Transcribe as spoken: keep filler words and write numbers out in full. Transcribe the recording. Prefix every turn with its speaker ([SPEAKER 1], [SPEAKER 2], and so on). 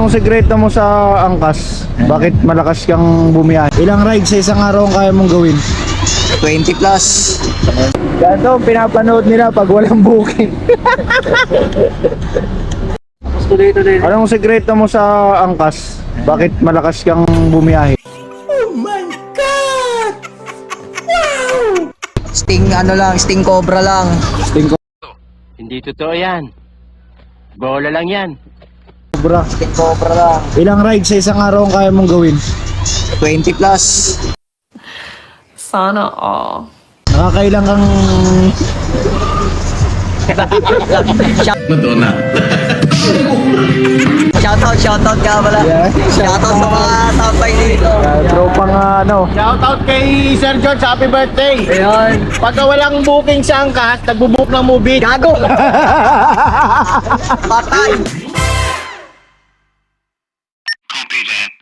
[SPEAKER 1] Anong sekreto mo sa angkas? Bakit malakas kang bumiyahe? Ilang rides sa isang araw ang kaya mong gawin?
[SPEAKER 2] twenty plus.
[SPEAKER 1] Ganito, pinapanood nila pag walang booking. Anong sekreto mo sa angkas? Bakit malakas kang bumiyahe?
[SPEAKER 2] Sting ano lang, sting cobra lang.
[SPEAKER 1] Sting
[SPEAKER 3] Hindi totoo yan. Bola lang yan.
[SPEAKER 1] Cobra.
[SPEAKER 2] Sting cobra lang.
[SPEAKER 1] Ilang rides sa isang araw ang kaya mong gawin?
[SPEAKER 2] twenty plus.
[SPEAKER 4] Sana all.
[SPEAKER 1] Nakakailang kang...
[SPEAKER 5] Madonna.
[SPEAKER 2] Shoutout, shoutout ka pala.
[SPEAKER 1] Yeah.
[SPEAKER 2] Shoutout sa mga tambay dito.
[SPEAKER 1] Uh, tropang uh, ano.
[SPEAKER 6] Shoutout kay Sir George, happy birthday!
[SPEAKER 2] Ayun.
[SPEAKER 6] Pagka walang booking sa angkas, nagbubook ng movie.
[SPEAKER 2] Gago! Patay!
[SPEAKER 5] Copy that.